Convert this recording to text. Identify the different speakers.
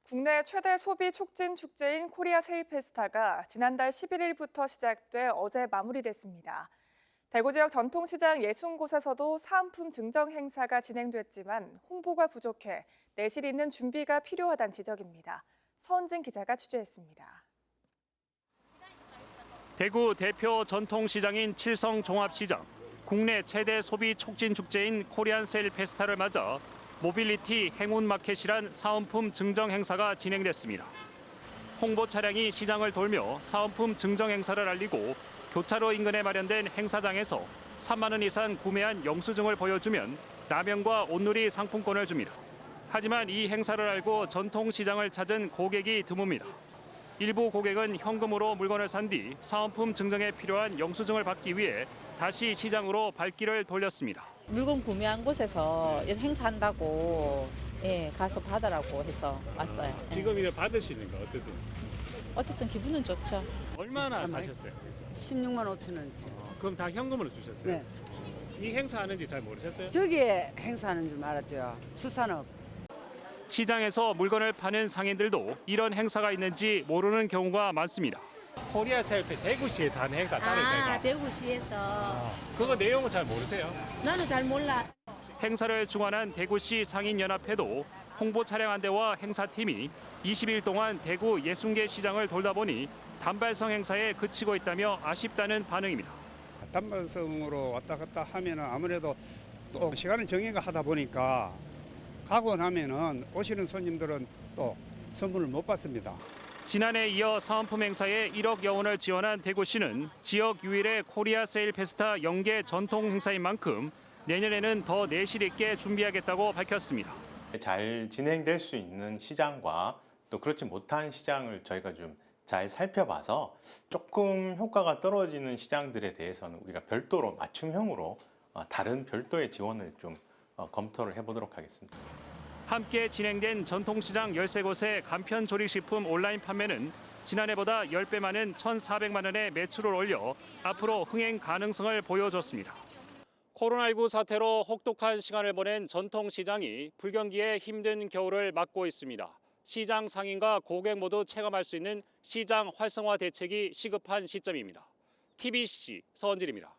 Speaker 1: 국내 최대 소비 촉진 축제인 코리아 세일 페스타가 지난달 11일부터 시작돼 어제 마무리됐습니다. 대구 지역 전통시장 60곳에서도 사은품 증정 행사가 진행됐지만 홍보가 부족해 내실 있는 준비가 필요하다는 지적입니다. 서은진 기자가 취재했습니다.
Speaker 2: 대구 대표 전통시장인 칠성종합시장, 국내 최대 소비 촉진 축제인 코리안 세일 페스타를 맞아 모빌리티 행운마켓이란 사은품 증정 행사가 진행됐습니다. 홍보 차량이 시장을 돌며 사은품 증정 행사를 알리고 교차로 인근에 마련된 행사장에서 3만 원 이상 구매한 영수증을 보여주면 라면과 온누리 상품권을 줍니다. 하지만 이 행사를 알고 전통시장을 찾은 고객이 드뭅니다. 일부 고객은 현금으로 물건을 산 뒤 사은품 증정에 필요한 영수증을 받기 위해 다시 시장으로 발길을 돌렸습니다.
Speaker 3: 물건 구매한 곳에서 이런 행사한다고 가서 받으라고 해서 왔어요.
Speaker 2: 지금 이제 받으시는 거 어떠세요?
Speaker 3: 어쨌든 기분은 좋죠.
Speaker 2: 얼마나 사셨어요?
Speaker 4: 16만 5천 원치.
Speaker 2: 그럼 다 현금으로 주셨어요?
Speaker 4: 네.
Speaker 2: 이 행사하는지 잘 모르셨어요?
Speaker 4: 저기에 행사하는 줄 알았죠. 수산업.
Speaker 2: 시장에서 물건을 파는 상인들도 이런 행사가 있는지 모르는 경우가 많습니다. 코리아 세일페 대구시에서 하는 행사 따로 있다니까.
Speaker 5: 대구시에서.
Speaker 2: 그거 내용은 잘 모르세요?
Speaker 5: 나는 잘 몰라.
Speaker 2: 행사를 주관한 대구시 상인연합회도 홍보 차량 한 대와 행사팀이 20일 동안 대구 60개 시장을 돌다 보니 단발성 행사에 그치고 있다며 아쉽다는 반응입니다.
Speaker 6: 단발성으로 왔다 갔다 하면은 아무래도 또 시간을 정해가 하다 보니까 가고 나면은 오시는 손님들은 또 선물을 못 받습니다.
Speaker 2: 지난해 이어 사은품 행사에 1억여 원을 지원한 대구시는 지역 유일의 코리아 세일 페스타 연계 전통 행사인 만큼 내년에는 더 내실 있게 준비하겠다고 밝혔습니다.
Speaker 7: 잘 진행될 수 있는 시장과 또 그렇지 못한 시장을 저희가 좀 잘 살펴봐서 조금 효과가 떨어지는 시장들에 대해서는 우리가 별도로 맞춤형으로 다른 별도의 지원을 좀 검토를 해보도록 하겠습니다.
Speaker 2: 함께 진행된 전통시장 13곳의 간편 조리식품 온라인 판매는 지난해보다 10배 많은 1,400만 원의 매출을 올려 앞으로 흥행 가능성을 보여줬습니다. 코로나19 사태로 혹독한 시간을 보낸 전통시장이 불경기에 힘든 겨울을 맞고 있습니다. 시장 상인과 고객 모두 체감할 수 있는 시장 활성화 대책이 시급한 시점입니다. TBC 서은진입니다.